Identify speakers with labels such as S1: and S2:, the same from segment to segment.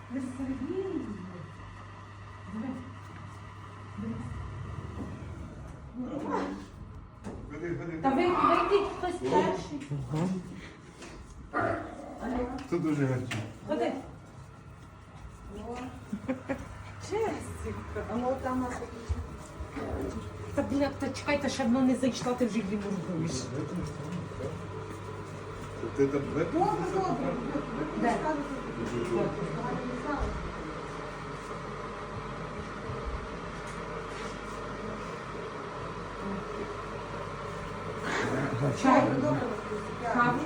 S1: Ви Сергій. Та вийдіть хтось перший.
S2: Це дуже гарно.
S1: Ходи. Чесіка.
S3: А ну там нас
S1: Та, бля, та чекайте, ще воно не зайшла, ти вже її моргуєш.
S2: Ти там
S3: добре.
S1: Де? Чай? Каву?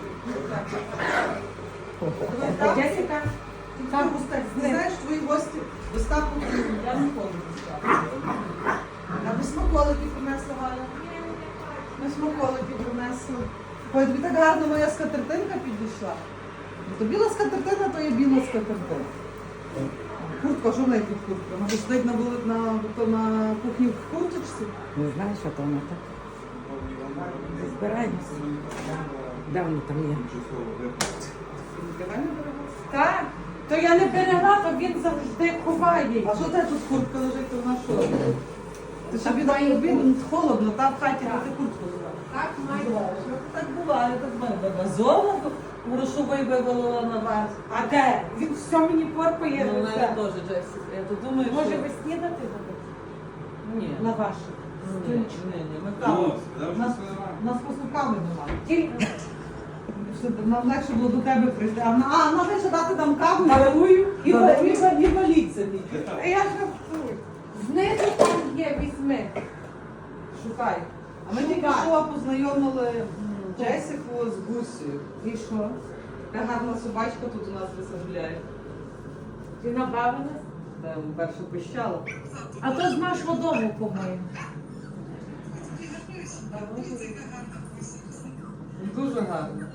S1: Джесіка? Каву?
S3: Ти знаєш, твої гості доставку я ніколи не ставлю. А ви смаколики принесла, Галя? Ми смаколики принесли. Ой, тобі так гарно моя скатертинка підійшла. То біла скатертина, то є біла скатертина. Куртка, що в неї тут куртка? Вона сидить на кухні в курточці.
S4: Не знаю, що то вона так. Збираємося. Де воно там є?
S1: Так. То я не берегла, то він завжди ховає.
S3: А що це тут куртка лежить, то вона що? Ти собі так робив, холодно, там в хаті ти куртку брала.
S1: Так має.
S3: Так буває, так буває. Вазована грошовий вивалила на вас.
S1: А де? Він все мені порпає.
S3: Ну, мене теж, Джесі. Я то думаю,
S1: Може
S3: що...
S1: ви снідати будете?
S3: Ні.
S1: На вашу?
S3: Ні, ми каву. Нас просто кави немає.
S1: Тільки
S3: Нам легше було до тебе прийти. А вона лише дати нам каву,
S1: дарую
S3: і валіть собі.
S1: А я жартую. Знизу там є, візьми.
S3: Шукай. А ми тільки
S1: Шукай.
S3: що познайомили Джесіку з Гусею.
S1: І що?
S3: Така гарна собачка тут у нас висаджує.
S1: Ти набавилась?
S3: Там перше пищала.
S1: А то з нашого дому, по-моєму.
S3: Дуже гарно.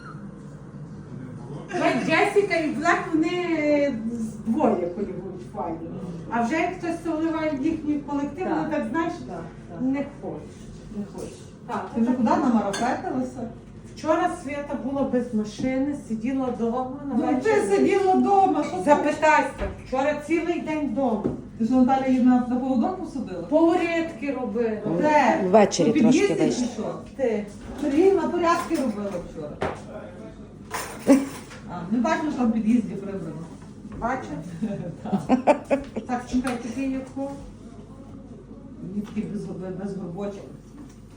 S1: Джесіка і Блек, вони двоє полюбують файно. А вже як хтось вливає в їхній колектив,
S3: Так.
S1: вони так, знаєш,
S3: Так.
S1: не хочеш.
S3: Не хочеш.
S1: Так,
S3: Ти вже куди намарафетилася?
S1: Вчора Свята була без машини, сиділа вдома.
S3: Ну ти сиділа вдома, що ти?
S1: Запитайся, вчора цілий день вдома.
S3: Ти що, Наталя її на поводок посадила?
S1: Порядки робила.
S3: Де?
S4: Ввечері
S3: У під'їзді
S4: трошки
S3: чи
S4: вийшло.
S3: що?
S1: Ти.
S3: Сергій на порядки робила вчора. Не бачиш, що в під'їзді прибрано.
S1: Бачиш? Так, чекай, тобі яку?
S3: Мені такий без горбочок.